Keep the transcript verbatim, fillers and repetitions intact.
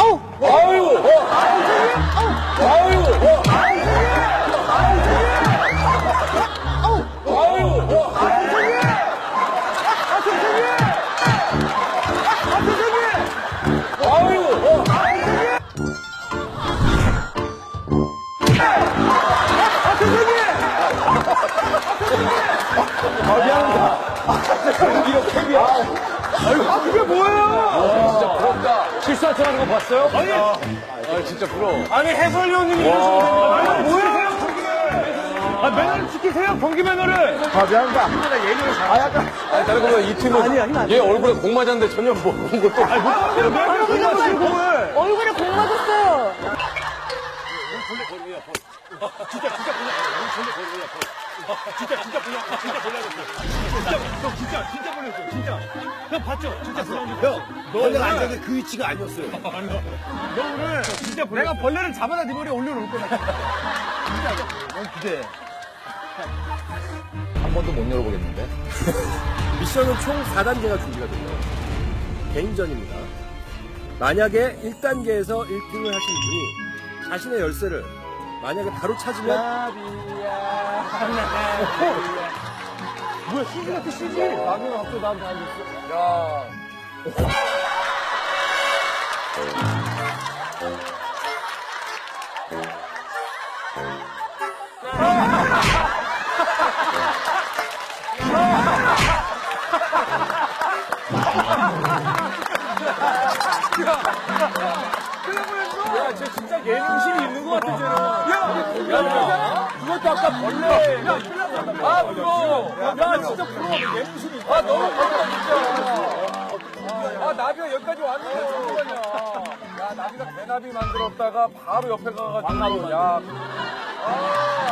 아우! 아유! 어. 아유! 어. 아유! 어. 아유! 어. 아, 미안합니다. 이렇게 미안. 아, 그게 뭐예요? 진짜 부럽다. 실수한 척 하는 거 봤어요? 아니, 아, 진짜 부러워. 아니, 해설위원님이 이러시면 됩니다. 아니, 뭐예요? 아, 매너를 지키세요, 경기 매너를. 아, 미안합니다. 아, 약간. 아니, 다른 거보다 이 팀은 아니, 아니, 아니. 얘 얼굴에 공 맞았는데 전혀 뭐 그런 것도. 아니, 뭐, 매너를 지키세요, 공을. 얼굴에 공 맞았어요. 진짜, 진짜 보냐. 진짜, 진짜 보냐. 진짜 보냐겠어. 진짜, 너 진짜, 진짜 보냈어. 진짜. 형 봤죠? 진짜 보냐고. 형, 너 벌레가 앉았는데 그 위치가 아니었어요. 너 오늘 진짜 보냈어. 내가 벌레를 잡아다 네 머리에 올려놓을 거야. 진짜. 넌 기대해. 한 번도 못 열어보겠는데. 미션은 총 사 단계가 준비가 돼요. 개인전입니다. 만약에 일 단계에서 일 등을 하신 분이 자신의 열쇠를 만약에 바로 찾으면 뭐야, 씨지 같아, 씨지? 나는 앞서 나도 다 알겠어. 야. 야, 쟤 진짜 예능심이 있는 것 같아, 쟤는. 야, 야, 그것도 아까 벌레. 야, 아, 부러워. 야, 진짜 부러워. 예능심이 있다. 아, 너무 부럽다, 진짜. 아, 나비가 여기까지 왔는데, 잠깐만요. 야, 나비가 개나비 만들었다가 바로 옆에 가가지고. 야. 아.